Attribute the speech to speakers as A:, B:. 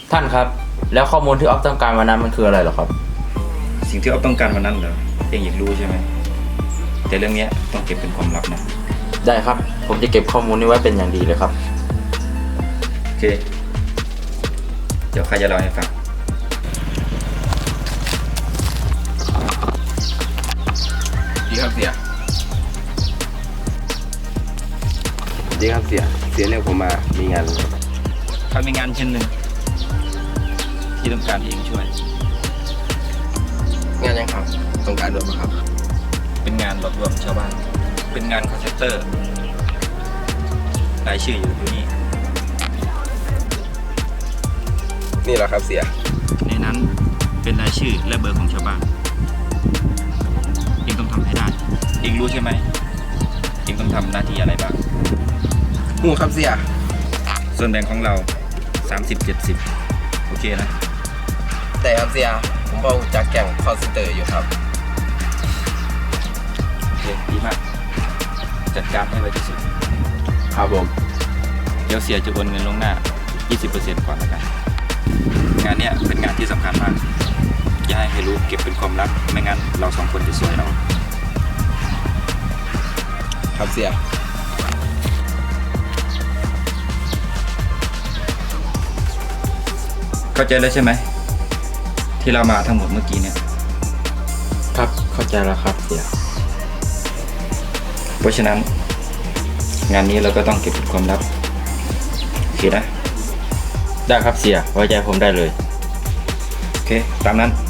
A: ท่านครับแล้วข้อมูลที่ออฟต้องการวันนั้นมันคืออะไรเหรอครับ
B: สิ่งที่อ๊อฟต้องการวันนั้นเหรอเองอยากรู้ใช่ไหมแต่เรื่องนี้ต้องเก็บเป็นความลับนะ
A: ได้ครับผมจะเก็บข้อมูลนี้ไว้เป็นอย่างดีเลยครับ
B: โอเคเดี๋ยวใครจะเล่าให้ฟัง
C: ดีครับเสียเรียกผมมามีงาน
B: เขามีงานชิ้นหนึ่งที่ต้องการให้เองช่วย
C: งานยังครับต้องการด้วยไหมครับ
B: เป็นงานหลอกลวงชาวบ้านเป็นงานคอนเซ็ปเตอร์รายชื่ออยู่นี่
C: นี่แหละครับเสีย
B: ในนั้นเป็นรายชื่อและเบอร์ของชาวบ้านเองต้องทำให้ได้เองรู้ใช่ไหมเองต้องทำหน้าที่อะไรบ้าง
C: หูครับเสีย
B: ส่วนแบ่งของเรา30-70โอเคนะ
C: แต่ครับเสียผมบอกจากแก่งคอนเซนเตอร์อยู่ครับ
B: โอเคดีมากจัดการให้ไวที่สุด
C: ครับผม
B: เดี๋ยวเสียจะโอนเงินลงหน้า 20% ก่อนแล้วกันงานเนี้ยเป็นงานที่สำคัญมากอย่าให้ใครรู้เก็บเป็นความลับไม่งั้นเราสองคนจะซวยเรา
C: ครับเสีย
B: เข้าใจแล้วใช่ไหมที่เรามาทั้งหมดเมื่อกี้เนี่ย
A: ครับเข้าใจแล้วครับเสีย
B: เพราะฉะนั้นงานนี้เราก็ต้องเก็บเป็นความลับโอเคนะ
A: ได้ครับเสียไว้ใจผมได้เลย
B: โอเคตามนั้น